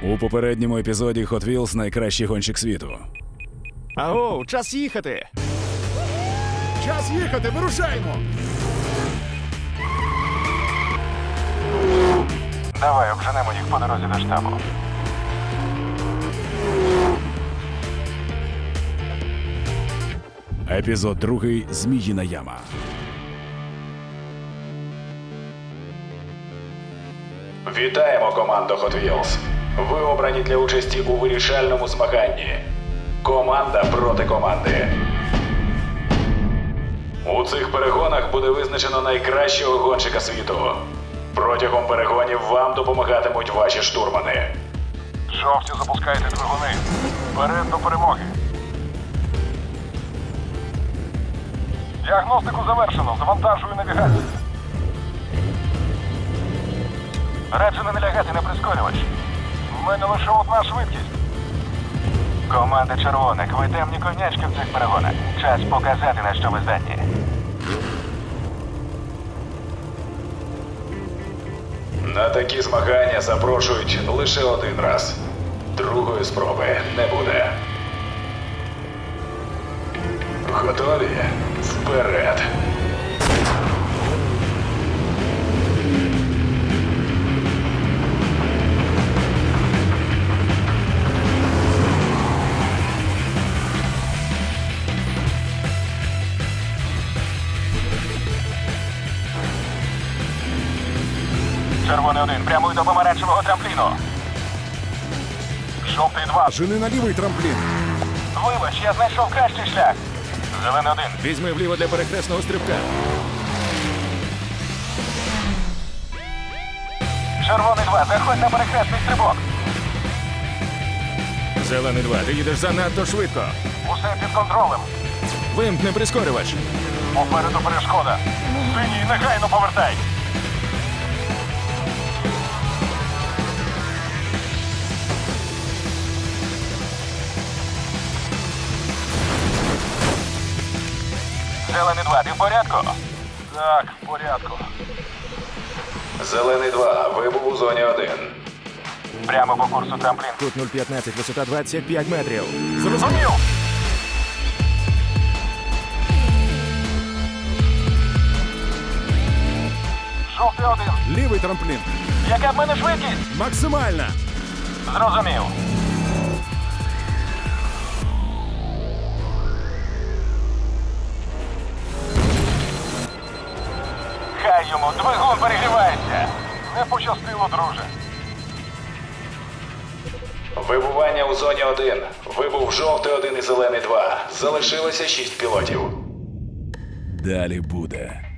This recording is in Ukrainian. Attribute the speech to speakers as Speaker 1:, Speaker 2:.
Speaker 1: У попередньому епізоді Hot Wheels найкращий гонщик світу.
Speaker 2: Аго, час їхати!
Speaker 1: Час їхати, вирушаємо!
Speaker 3: Давай, обженемо їх по дорозі до штабу.
Speaker 1: Епізод 2. Зміїна яма.
Speaker 4: Вітаємо, командо Hot Wheels. Ви обрані для участі у вирішальному змаганні. Команда проти команди. У цих перегонах буде визначено найкращого гонщика світу. Протягом перегонів вам допомагатимуть ваші штурмани.
Speaker 3: Жовті, запускайте двигуни. Вперед до перемоги. Діагностику завершено. Завантажую навігацію. Раджу не налягати на прискорювач. В мене лише одна швидкість. Команда червоних, ви темні конячки в цих перегонах. Час показати, на що ви здатні.
Speaker 4: На такі змагання запрошують лише один раз. Другої спроби не буде. Готові? Вперед!
Speaker 3: Червоний 1, прямуй до помаранчевого трампліну. Жовтий 2.
Speaker 1: Жени на лівий трамплін.
Speaker 3: Вибач, я знайшов кращий шлях. Зелений 1.
Speaker 2: Візьми вліво для перехресного стрибка.
Speaker 3: Червоний 2, заходь на перехресний стрибок.
Speaker 2: Зелений 2, ти їдеш занадто швидко.
Speaker 3: Усе під контролем.
Speaker 2: Вимкни прискорювач.
Speaker 3: Попереду перешкода. Синій, негайно повертай. Зелений 2, ти в порядку? Так, в порядку.
Speaker 4: Зелений 2, вибув у зоні 1.
Speaker 3: Прямо по курсу трамплін.
Speaker 2: Кут 0,15, висота 25 метрів.
Speaker 3: Зрозумів! Жовтий 1.
Speaker 1: Лівий трамплін.
Speaker 3: Яка в мене швидкість?
Speaker 1: Максимальна.
Speaker 3: Зрозумів. Хай йому двигун перегрівається. Не пощастило, друже.
Speaker 4: Вибування у зоні 1. Вибув жовтий 1 і зелений 2. Залишилося 6 пілотів.
Speaker 1: Далі буде.